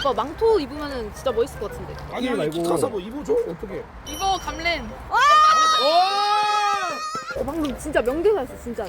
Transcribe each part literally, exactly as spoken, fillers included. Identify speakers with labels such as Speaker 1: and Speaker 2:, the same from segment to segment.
Speaker 1: 오빠 망토 입으면은 진짜 멋있을 것 같은데.
Speaker 2: 아니
Speaker 3: 말고.
Speaker 2: 기카사 뭐 입어줘? 어떻게?
Speaker 4: 이거 감렌.
Speaker 1: 어, 방금 진짜 명대사였어 진짜로.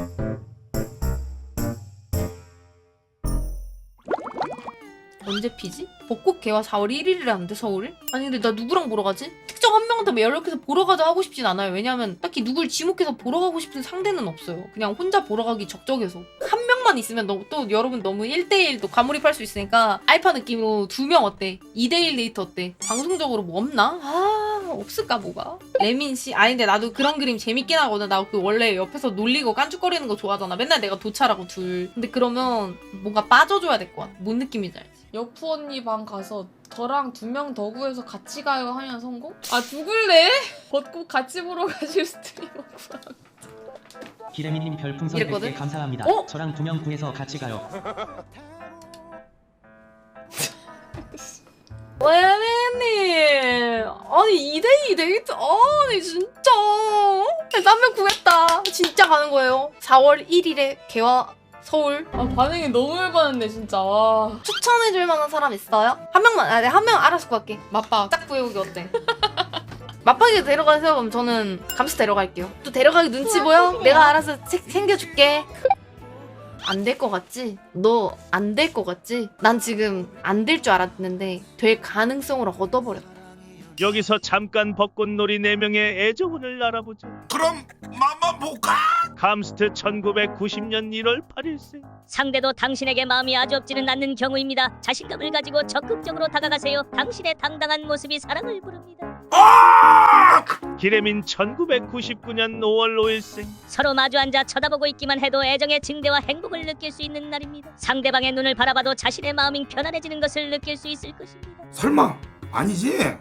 Speaker 4: 언제 피지? 벚꽃 개화 사월 일일이라는데 서울에? 아니 근데 나 누구랑 보러 가지? 특정 한 명한테 연락해서 보러 가자 하고 싶진 않아요. 왜냐면 딱히 누굴 지목해서 보러 가고 싶은 상대는 없어요. 그냥 혼자 보러 가기 적적해서. 한 명만 있으면 너, 또 여러분 너무 일 대일 또 과몰입할 수 있으니까 알파 느낌으로 두 명 어때? 이 대일 데이트 어때? 방송적으로 뭐 없나? 아 없을까 뭐가? 레민씨? 아니 근데 나도 그런 그림 재밌긴 하거든. 나 그 원래 옆에서 놀리고 깐죽거리는 거 좋아하잖아. 맨날 내가 도찰하고 둘. 근데 그러면 뭔가 빠져줘야 될 것 같아. 뭔 느낌인지 알지?
Speaker 5: 여프 언니 방 가서 저랑 두 명 더 구해서 같이 가요 하면 성공? 아 누굴래? 벚꽃 같이 보러 가실 스트리머 구하.
Speaker 6: 기레미님 별풍선
Speaker 4: 이랬거든?
Speaker 6: 백 개 감사합니다.
Speaker 4: 어?
Speaker 6: 저랑 두 명 구해서 같이 가요.
Speaker 4: 레민님 아니 이 대이 데이트 아니 진짜 한 명 구했다. 진짜 가는 거예요. 사월 일일에 개화 서울.
Speaker 5: 아 반응이 너무 열받는데 진짜. 와.
Speaker 4: 추천해줄 만한 사람 있어요? 한 명만. 아, 내가 한 명 알아서 구할게.
Speaker 5: 맞박.
Speaker 4: 딱 구해오기 어때? 맞박이 데려가세요. 그럼 저는 감스 데려갈게요. 또 데려가기 눈치 보여? 내가 알아서 세, 챙겨줄게. 안 될 것 같지? 너 안 될 것 같지? 난 지금 안 될 줄 알았는데 될 가능성을 얻어버렸다.
Speaker 7: 여기서 잠깐 벚꽃놀이 네 명의 애정운을 알아보죠.
Speaker 2: 그럼 맘만 볼까?
Speaker 7: 감스트 천구백구십 년 일월 팔일생.
Speaker 8: 상대도 당신에게 마음이 아주 없지는 않는 경우입니다. 자신감을 가지고 적극적으로 다가가세요. 당신의 당당한 모습이 사랑을 부릅니다.
Speaker 7: 기레민 천구백구십구 년 오월 오일생.
Speaker 8: 서로 마주 앉아 쳐다보고 있기만 해도 애정의 증대와 행복을 느낄 수 있는 날입니다. 상대방의 눈을 바라봐도 자신의 마음이 편안해지는 것을 느낄 수 있을 것입니다.
Speaker 2: 설마 아니지?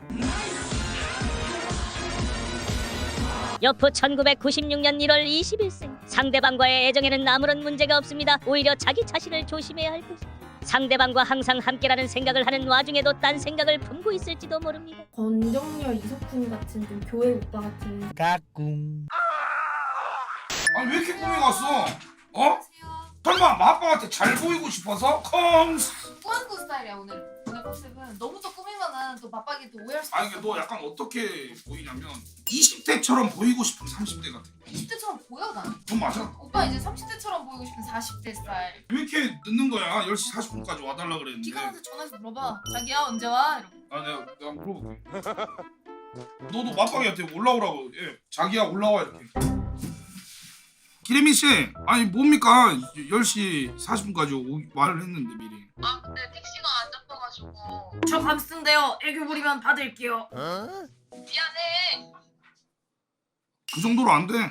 Speaker 8: 여프 천구백구십육 년 일월 이십일생. 상대방과의 애정에는 아무런 문제가 없습니다. 오히려 자기 자신을 조심해야 할 것입니다. 상대방과 항상 함께라는 생각을 하는 와중에도 딴 생각을 품고 있을지도 모릅니다.
Speaker 4: 권정열, 이석훈 같은 좀 교회 오빠 같은.
Speaker 3: 까꿍.
Speaker 2: 아니 왜 이렇게 꾸며갔어? 어? 설마 마빠한테 잘 보이고 싶어서? 컹스.
Speaker 4: 꾸안꾸 스타일이야 오늘. 오늘 컨셉은 너무 또 꾸미면은 또 맞박이 또 오해할 수
Speaker 2: 아니 이게 너 약간 어떻게 보이냐면 이십 대처럼 보이고 싶은 삼십 대 같아.
Speaker 4: 이십 대처럼 보여 난.
Speaker 2: 그건 맞아.
Speaker 4: 오빠 이제 삼십 대처럼 보이고 싶은 사십 대 스타일.
Speaker 2: 왜 이렇게 늦는 거야? 열 시 사십 분까지 와달라 그랬는데.
Speaker 4: 기관한테 전화해서 물어봐. 자기야 언제 와? 이러고.
Speaker 2: 아 내가 내가 물어볼게. 너도 맞방이한테 올라오라고. 예, 자기야 올라와 이렇게. 기레민 씨, 아니 뭡니까? 열 시 사십 분까지 오, 말을 했는데 미리.
Speaker 4: 아 근데 택시가 안 잡혀가지고. 저 감스인데요. 애교 부리면 받을게요. 미안해.
Speaker 2: 그 정도로 안 돼.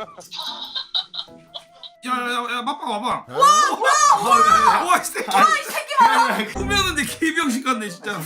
Speaker 2: 야야야 맞방 와봐. 와 뭐야? 와이 새끼. 와이 새끼 봐라. 꾸몄는데 개병신 같네 진짜.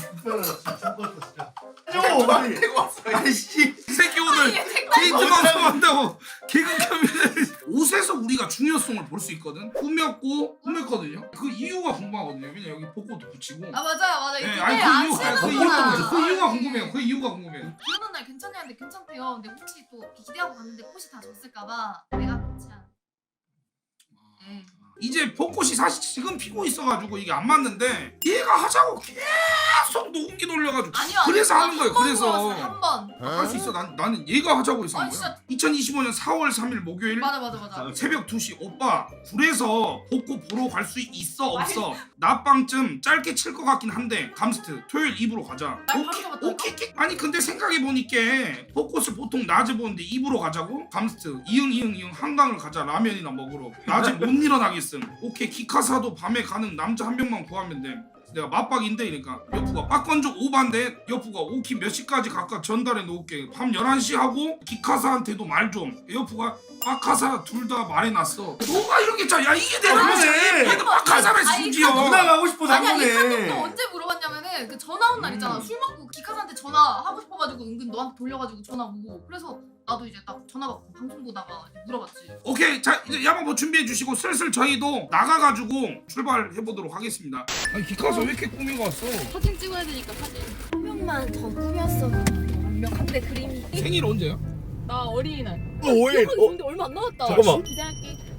Speaker 3: 저 빨리. 아이씨.
Speaker 2: 이 새끼 오늘 데이트 방송 한다고 개그 캠인데 옷에서 우리가 중요성을 볼 수 있거든. 꾸몄고 꾸몄거든요. 그 이유가 궁금하거든요. 왜냐 여기 벚꽃도 붙이고.
Speaker 4: 아 맞아요 맞아요.
Speaker 2: 네,
Speaker 4: 이게
Speaker 2: 아니 그
Speaker 4: 안
Speaker 2: 이유가 그
Speaker 4: 치는구나.
Speaker 2: 이유가 그 이유가 궁금해요. 그 이유가 궁금해요.
Speaker 4: 비 오는 날 괜찮냐는데 괜찮대요. 근데 혹시 또 기대하고 갔는데 꽃이 다 졌을까봐 내가 꽃이 안. 네.
Speaker 2: 이제 벚꽃이 사실 지금 피고 있어가지고 이게 안 맞는데 얘가 하자고 계속 녹음기 돌려가지고
Speaker 4: 아니요.
Speaker 2: 그래서
Speaker 4: 아니요.
Speaker 2: 하는 거예요.
Speaker 4: 한번
Speaker 2: 그래서
Speaker 4: 물어봤어요, 한 번.
Speaker 2: 할 수 있어. 난 나는 얘가 하자고 해서 한
Speaker 4: 아니,
Speaker 2: 거야.
Speaker 4: 진짜.
Speaker 2: 이천이십오 년 사월 삼일 목요일
Speaker 4: 맞아 맞아 맞아.
Speaker 2: 새벽 두 시 오빠 굴에서 벚꽃 보러 갈 수 있어 없어? 낮밤쯤 짧게 칠 것 같긴 한데 감스트 토요일 이브로 가자.
Speaker 4: 날 바로
Speaker 2: 오케이
Speaker 4: 잡았다니까?
Speaker 2: 오케이 오케이. 아니 근데 생각해보니까 벚꽃을 보통 낮에 보는데 이브로 가자고? 감스트 이응 이응 이응 한강을 가자. 라면이나 먹으러. 낮에 못 일어나겠음. 오케이 기카사도 밤에 가는 남자 한 명만 구하면 돼. 내가 맞박인데 이러니까 여프가 빡건조 오반데 여프가 오키 몇 시까지 각각 전달해 놓을게. 밤 열한 시 하고 기카사한테도 말 좀. 여프가 빡카사 둘 다 말해놨어. 너가 이렇게 짜. 야 이게 내가
Speaker 3: 그러네.
Speaker 2: 얘도 빡카사를
Speaker 4: 아니,
Speaker 2: 심지어.
Speaker 3: 누나 가고 싶어서 한
Speaker 4: 아니야 이 카톡도
Speaker 3: 거네.
Speaker 4: 언제 물어봤냐면은 그 전화 온 날 있잖아. 술 먹고 기카사한테 전화 하고 싶어가지고 은근 너한테 돌려가지고 전화 오고. 그래서 나도 이제 딱 전화 받고 방송 보다가 물어봤지.
Speaker 2: 오케이 자 이제 야마 뭐 준비해 주시고 슬슬 저희도 나가가지고 출발해 보도록 하겠습니다. 아니 기카사 왜 이렇게 꾸미고 왔어?
Speaker 4: 사진 찍어야 되니까 사진.
Speaker 1: 한 명만 더 꾸몄어도 완벽한데 그림이.
Speaker 2: 생일 언제야?
Speaker 4: 나 어린이날.
Speaker 3: 오일.
Speaker 1: 근데 얼마 안 남았다.
Speaker 3: 잠깐만.
Speaker 4: 기대할게.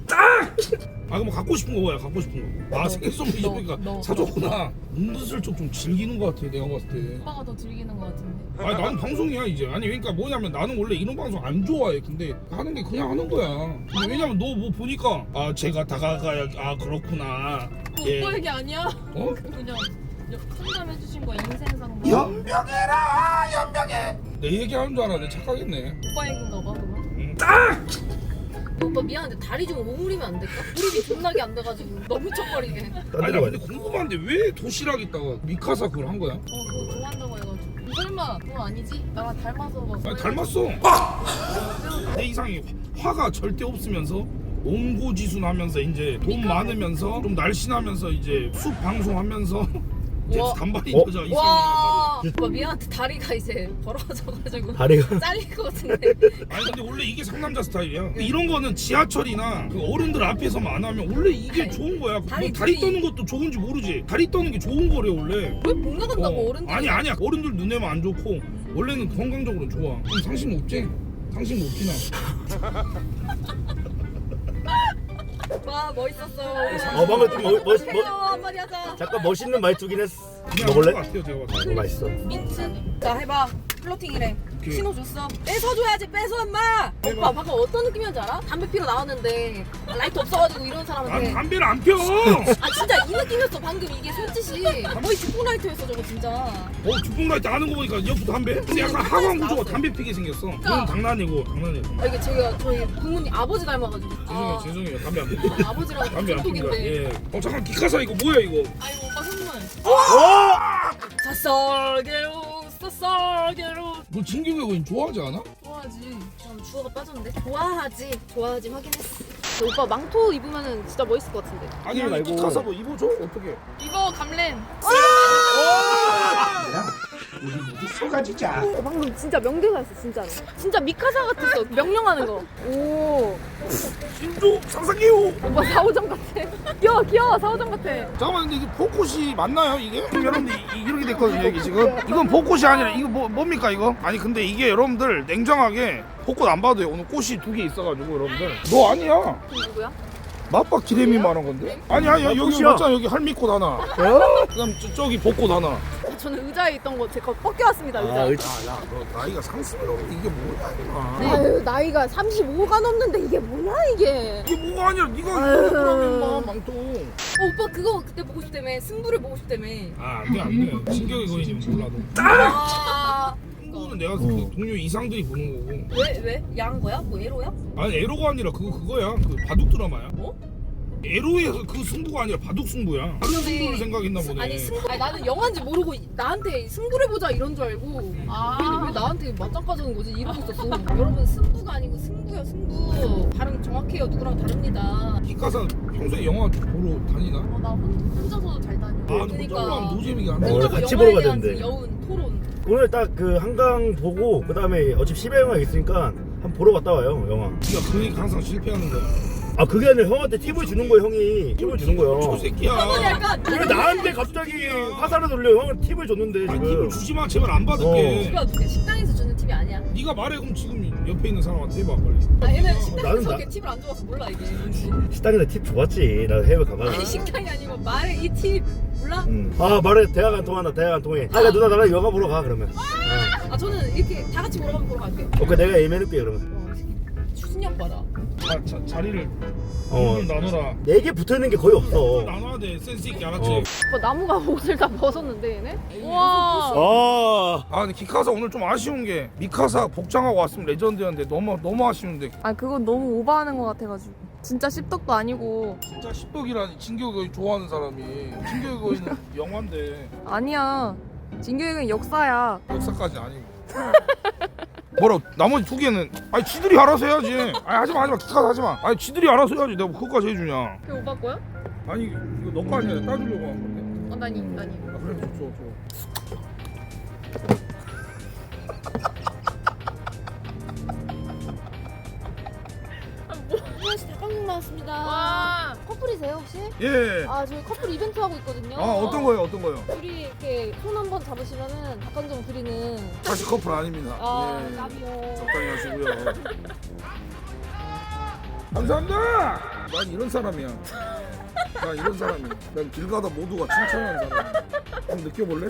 Speaker 2: 아 그럼 갖고 싶은 거 뭐야? 갖고 싶은 거. 아 생일 선물
Speaker 5: 너,
Speaker 2: 입으니까
Speaker 5: 너.
Speaker 2: 사줬구나. 은근슬쩍 좀 즐기는 거 같아 내가 봤을 때.
Speaker 5: 오빠가 더 즐기는 것 같은데.
Speaker 2: 아니 나는 방송이야 이제. 아니 그러니까 뭐냐면 나는 원래 이런 방송 안 좋아해. 근데 하는 게 그냥 하는 거야. 근데 왜냐면 너 뭐 보니까 아 제가 다가가야 아 그렇구나.
Speaker 5: 그
Speaker 2: 예.
Speaker 5: 오빠 얘기 아니야?
Speaker 2: 어?
Speaker 5: 그냥 상담해주신 거야, 인생 상담.
Speaker 2: 연명해라 연명해. 내 얘기하는 줄 알았네. 착각했네.
Speaker 5: 오빠 얘기인가 봐 그럼.
Speaker 2: 음. 딱!
Speaker 1: 오빠 미안한데 다리 좀 오므리면 안 될까? 무릎이 존나게 안 돼가지고 너무 척거리게.
Speaker 2: 아니 나 근데 궁금한데 왜 도시락 있다가 미카사 그걸 한 거야?
Speaker 5: 어 그거 좋아한다고 해가지고. 설마 그건 아니지? 나랑 닮아서 막.
Speaker 2: 아니 닮았어. 내 이상이 화가 절대 없으면서 옹고지순하면서 이제 돈 많으면서 좀 날씬하면서 이제 숲 방송하면서 이제
Speaker 1: 와.
Speaker 2: 단발인
Speaker 3: 어?
Speaker 2: 여자 이상이란 말이야.
Speaker 1: 와 오빠 미안한데 다리가 이제 벌어져가지고
Speaker 3: 다리가
Speaker 1: 잘릴 것 같은데.
Speaker 2: 아니 근데 원래 이게 상남자 스타일이야. 이런 거는 지하철이나 그 어른들 앞에서만 안 하면 원래 이게
Speaker 1: 아니,
Speaker 2: 좋은 거야. 뭐
Speaker 1: 다리
Speaker 2: 다리
Speaker 1: 둘이-
Speaker 2: 떠는 것도 좋은지 모르지. 다리 떠는 게 좋은 거래 원래.
Speaker 1: 왜 본가 간다고
Speaker 2: 어.
Speaker 1: 어른들이.
Speaker 2: 아니 아니야 어른들 눈에만 안 좋고 원래는 건강적으로 좋아. 좀 상심 없지? 상심 없지나.
Speaker 1: 와 멋있었어.
Speaker 3: 어 방금 좀 멋, 멋,
Speaker 1: 해요
Speaker 3: 멋,
Speaker 1: 한마디 하자.
Speaker 3: 잠깐 멋있는 말투긴 했어.
Speaker 2: 그냥
Speaker 3: 먹을래?
Speaker 2: 것 같아요 제가 봤을 때.
Speaker 3: 어, 맛있어.
Speaker 1: 민트. 자 해봐. 플러팅이래.
Speaker 2: 오케이.
Speaker 1: 신호 줬어. 뺏어줘야지 뺏어 엄마. 오빠 방금 어떤 느낌이었지 알아? 담배 피러 나왔는데 라이트 없어가지고 이런
Speaker 2: 난
Speaker 1: 사람한테.
Speaker 2: 담배를 안 펴.
Speaker 1: 아 진짜 이 느낌이었어 방금 이게 손짓이. 거의 죽은 라이트였어 저거 진짜.
Speaker 2: 어 주풍라이트 아는 거 보니까 옆으로 담배? 근데 약간 하관 구조가 담배 피게 생겼어. 그건 장난이고 장난이고.
Speaker 1: 아 이게 제가 저희 부모님 아버지 닮아가지고.
Speaker 2: 죄송해요
Speaker 1: 아,
Speaker 2: 죄송해요 담배 안 핍니다.
Speaker 1: 아, 아버지랑
Speaker 2: 담배 안 핍니다.
Speaker 1: 중독인데.
Speaker 2: 예. 어 잠깐 기카사 이거 뭐야 이거?
Speaker 5: 아이고 오빠 선물.
Speaker 1: 사설게로 사설게로.
Speaker 2: 너 진격의 거인 좋아하지 않아?
Speaker 5: 좋아하지.
Speaker 1: 참 주어가 빠졌는데. 좋아하지 좋아하지 확인했어. 근데 오빠 망토 입으면은 진짜 멋있을 것 같은데.
Speaker 2: 아니
Speaker 3: 말고.
Speaker 2: 아니 기카사 뭐 입어줘 어떻게?
Speaker 5: 이거 감렌.
Speaker 9: 우리 모두 쏟아지자.
Speaker 1: 어, 방금 진짜 명대사였어 진짜로. 진짜 미카사 같았어 명령하는 거. 오
Speaker 2: 신조 상상해요.
Speaker 1: 오빠 사오정 같아. 귀여워 귀여워 사오정 같아.
Speaker 2: 잠깐만 근데 이게 벚꽃이 맞나요 이게? 지금 여러분들 이, 이렇게 됐거든요 이게 지금. 이건 벚꽃이 아니라 이거 뭐 뭡니까 이거? 아니 근데 이게 여러분들 냉정하게 벚꽃 안 봐도요. 오늘 꽃이 두 개 있어가지고 여러분들. 너 아니야.
Speaker 1: 그럼 누구야?
Speaker 2: 맞박 기레미 말한 건데? 아니 아니 여기
Speaker 3: 꽃이야.
Speaker 2: 맞잖아 여기 할미꽃 하나. 그다음 저, 저기 벚꽃 하나.
Speaker 1: 아, 저는 의자에 있던 거 제 거 뻗겨왔습니다 의자.
Speaker 3: 아, 의-
Speaker 2: 야야 너 나이가 상승을 하는데 이게 뭐야 이거.
Speaker 1: 아유 나이가 삼십오가 넘는데 이게 뭐야 이게.
Speaker 2: 이게 뭐가 아니라 네가
Speaker 1: 아유.
Speaker 2: 그러면 막 망토.
Speaker 1: 어, 오빠 그거 그때 보고 싶다며 승부를 보고 싶다며.
Speaker 2: 아 안돼 안돼. 진격의 거인이면 몰라도.
Speaker 1: 아
Speaker 2: 승부는 내가 그 동료 이상들이 보는 거고.
Speaker 1: 왜 왜? 야한 거야? 뭐 에로야?
Speaker 2: 아니 에로가 아니라 그거 그거야. 그 바둑 드라마야.
Speaker 1: 뭐?
Speaker 2: 에로에서 그 승부가 아니라 바둑 승부야. 다른 승부를 생각했나 보네.
Speaker 1: 아니 승부 아니 나는 영화인지 모르고 나한테 승부를 보자 이런 줄 알고.
Speaker 5: 아.
Speaker 1: 왜, 왜 나한테 맞짱 가자는 거지 이러고 있었어. 여러분 승부가 아니고 승부야 승부. 발음 정확해요 누구랑 다릅니다.
Speaker 2: 기카사 평소에 영화 보러 다니나?
Speaker 5: 어, 나 혼, 혼자서도 잘 다녀.
Speaker 2: 아 근데 혼자 보러 하면 노잼이게 안 돼.
Speaker 3: 원래
Speaker 1: 혼자서
Speaker 3: 같이
Speaker 1: 영화에
Speaker 3: 보러 가야
Speaker 1: 대한
Speaker 3: 되는데.
Speaker 1: 여운 토론.
Speaker 3: 오늘 딱 그 한강 보고 그 다음에 어차피 십회 영화 있으니까 한번 보러 갔다 와요 영화.
Speaker 2: 네가 그 얘기 항상 실패하는 거야.
Speaker 3: 아 그게 아니라 형한테 팁을 주는 거야 형이. 팁을 주는
Speaker 2: 저
Speaker 3: 거야.
Speaker 2: 새끼야.
Speaker 1: 약간
Speaker 3: 왜 나한테 갑자기 화살을 돌려? 형은 팁을 줬는데
Speaker 2: 아니
Speaker 3: 지금.
Speaker 2: 팁을 주지 마. 제발 안 받을게.
Speaker 1: 누가 누가 식당에서 주는 팁이 아니야.
Speaker 2: 네가 말해 그럼 지금 옆에 있는 사람한테 해봐 빨리.
Speaker 1: 아 얘는
Speaker 3: 나는
Speaker 1: 식당에서
Speaker 3: 나-
Speaker 1: 이렇게 팁을 안 줘서 몰라 이게 뭔지.
Speaker 3: 식당에서 팁 줘봤지. 나 해외 가봐.
Speaker 1: 아니 식당이 아니고 말해 이 팁 몰라?
Speaker 3: 응. 아 말해 대화가 안 통한다. 대화가 안 통해. 아 야, 누나 나랑 영화 보러 가 그러면. 어.
Speaker 1: 아 저는 이렇게 다 같이 보러 가면 보러 갈게요.
Speaker 3: 오케이 내가 예매해줄게 그러면.
Speaker 1: 와 이 새끼 추진력 봐라.
Speaker 2: 자, 자, 자리를
Speaker 3: 어.
Speaker 2: 어. 나눠라.
Speaker 3: 네 개 붙어있는 게 거의 없어.
Speaker 2: 나눠야 돼. 센스 있게 알았지?
Speaker 3: 어.
Speaker 1: 오빠 나무가 옷을 다 벗었는데 얘네?
Speaker 5: 우와.
Speaker 3: 아.
Speaker 2: 아 근데 기카사 오늘 좀 아쉬운 게 미카사 복장하고 왔으면 레전드였는데 너무 너무 아쉬운데.
Speaker 5: 아 그건 너무 오버하는 것 같아가지고. 진짜 씹덕도 아니고.
Speaker 2: 진짜 십덕이라니 진격의 거인 좋아하는 사람이. 진격의 거인은 영화인데
Speaker 5: 아니야. 진격은 역사야.
Speaker 2: 역사까지 아니고. 뭐라 나머지 두 개는 아니 지들이 알아서 해야지. 아니 하지마 하지마 기카사 하지마. 아니 지들이 알아서 해야지. 내가 뭐 그거까지 해주냐.
Speaker 5: 그게 오빠 거야?
Speaker 2: 아니 이거 너 거 아니야. 따주려고 한 건데.
Speaker 5: 어 나니 나니.
Speaker 2: 아 그래 줘 줘. 줘.
Speaker 1: 수현 씨 닭강정 나왔습니다.
Speaker 5: 와.
Speaker 1: 커플이세요 혹시?
Speaker 2: 예.
Speaker 1: 아 저희 커플 이벤트 하고 있거든요.
Speaker 2: 아 어떤 거예요 어떤 거요?
Speaker 1: 둘이 이렇게 손 한 번 잡으시면은 닭강정 드리는.
Speaker 2: 다시 커플 아닙니다.
Speaker 1: 아
Speaker 2: 예.
Speaker 1: 까비요.
Speaker 2: 적당히 하시고요. 감사합니다. 난 이런 사람이야. 난 이런 사람이야. 난 길 가다 모두가 칭찬하는 사람. 한번 느껴볼래?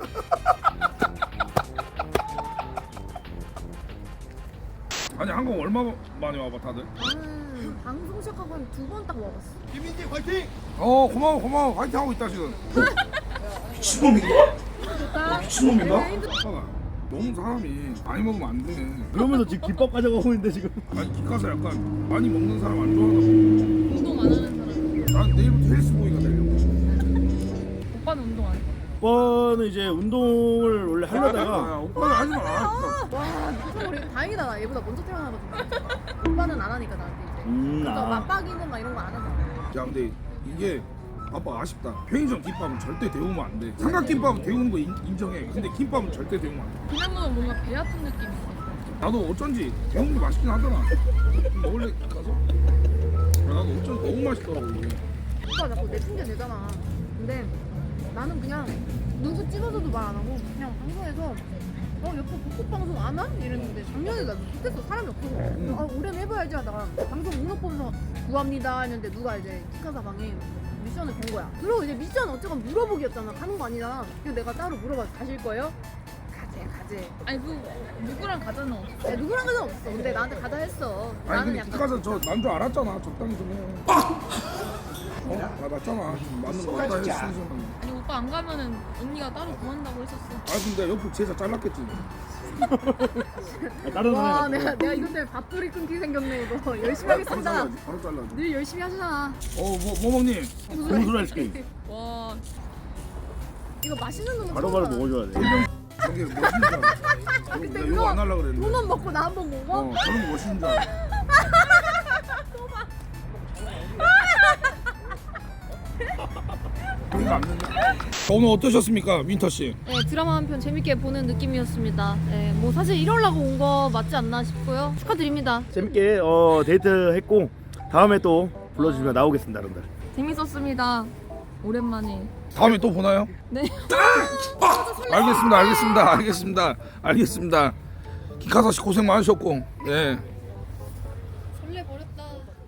Speaker 2: 아니 한국 얼마 많이 와봐 다들?
Speaker 1: 나는 방송 시작하고 한 두 번 딱 와봤어.
Speaker 2: 김민지 화이팅! 어 고마워 고마워 화이팅 하고 있다 지금. 미친놈인가? 미친놈인가? 아빠 너무 사람이 많이 먹으면 안 돼.
Speaker 3: 그러면서 지금 김밥 가져가고 있는데 지금.
Speaker 2: 아니 기카사 약간 많이 먹는 사람 안 좋아하나
Speaker 5: 운동 안 하는 사람.
Speaker 2: 난 내일부터 헬스보이가 되려고.
Speaker 5: 오빠는 운동 안 해?
Speaker 3: 오빠는 이제 운동을 원래 하려다가
Speaker 2: 아, 오빠는 하지 마.
Speaker 1: 와, 무슨 우리 다행이다. 나 얘보다 먼저 태어나가지고. 오빠는 안 하니까 나한테 이제.
Speaker 3: 음,
Speaker 1: 그러니까
Speaker 3: 아.
Speaker 1: 맞박이는 막 이런 거 안 하잖아.
Speaker 2: 야 근데 이게 아빠 아쉽다. 편의점 김밥은 절대 데우면 안 돼. 삼각김밥은 데우는 거 인, 인정해. 근데 김밥은 절대 데우면 안 돼.
Speaker 5: 그냥 먹으면 뭔가 배 아픈 느낌이 있어.
Speaker 2: 나도 어쩐지 데우는 게 맛있긴 하더라. 먹을래 가서? 야, 나도 어쩐지 너무 맛있더라고 이게.
Speaker 1: 오빠 자꾸 내 핑계 대잖아. 근데 나는 그냥 누구 찍어서도 말 안 하고 그냥 방송에서 어 옆에 복고 방송 안 와? 이랬는데 작년에 나 못했어. 사람이 없어서. 아 올해는 해봐야지 하다가 방송 목록 보면서 구합니다 했는데 누가 이제 키카사 방에 미션을 건 거야. 그리고 이제 미션 어쨌건 물어보기였잖아. 가는 거 아니잖아. 그래서 내가 따로 물어봐. 가실 거예요? 가재 가재.
Speaker 5: 아니 그 누구랑 가자는 없어.
Speaker 1: 야, 누구랑 가는 없어. 근데 나한테 가자 했어.
Speaker 2: 아니
Speaker 1: 나는
Speaker 2: 근데
Speaker 1: 약간
Speaker 2: 기카사 저 난 줄 알았잖아. 적당히 좀 해. 어? 나 맞잖아. 맞는 거 같다 했으면.
Speaker 5: 아니 오빠 안 가면은 언니가 따로 구한다고 했었어.
Speaker 2: 아 근데 옆으로 제자 잘랐겠지.
Speaker 3: 다른
Speaker 1: 와
Speaker 3: 사람이
Speaker 1: 내가 내가 이것 때문에 밥풀이 끊기 생겼네 이거. 열심히
Speaker 2: 바로
Speaker 1: 하겠습니다.
Speaker 2: 잘라야지. 바로 잘라야지.
Speaker 1: 늘 열심히 하시잖아.
Speaker 2: 어뭐 모모님.
Speaker 3: 무슨 소리 할게.
Speaker 5: 와
Speaker 1: 이거 맛있는 놈은
Speaker 3: 바로바로
Speaker 1: 처음
Speaker 3: 먹어줘야 돼.
Speaker 2: 저게 멋있는 줄 알아.
Speaker 1: 근데
Speaker 2: 나
Speaker 1: 그거
Speaker 2: 이거 안 하려고 그랬는데.
Speaker 1: 두번 먹고 나 한 번 먹어?
Speaker 2: 어 저런 거 멋있는 줄 알아. 그러니까 안 된다. 오늘 어떠셨습니까, 윈터 씨?
Speaker 1: 네 드라마 한 편 재밌게 보는 느낌이었습니다. 네, 뭐 사실 이러려고 온 거 맞지 않나 싶고요. 축하드립니다.
Speaker 3: 재밌게 어, 데이트 했고 다음에 또 불러주시면 나오겠습니다, 여러분들.
Speaker 5: 재밌었습니다. 오랜만에.
Speaker 2: 다음에 또 보나요?
Speaker 5: 네.
Speaker 2: 아! 알겠습니다, 알겠습니다, 알겠습니다, 알겠습니다. 기카사 씨 고생 많으셨고, 네.
Speaker 1: 설레 버렸다.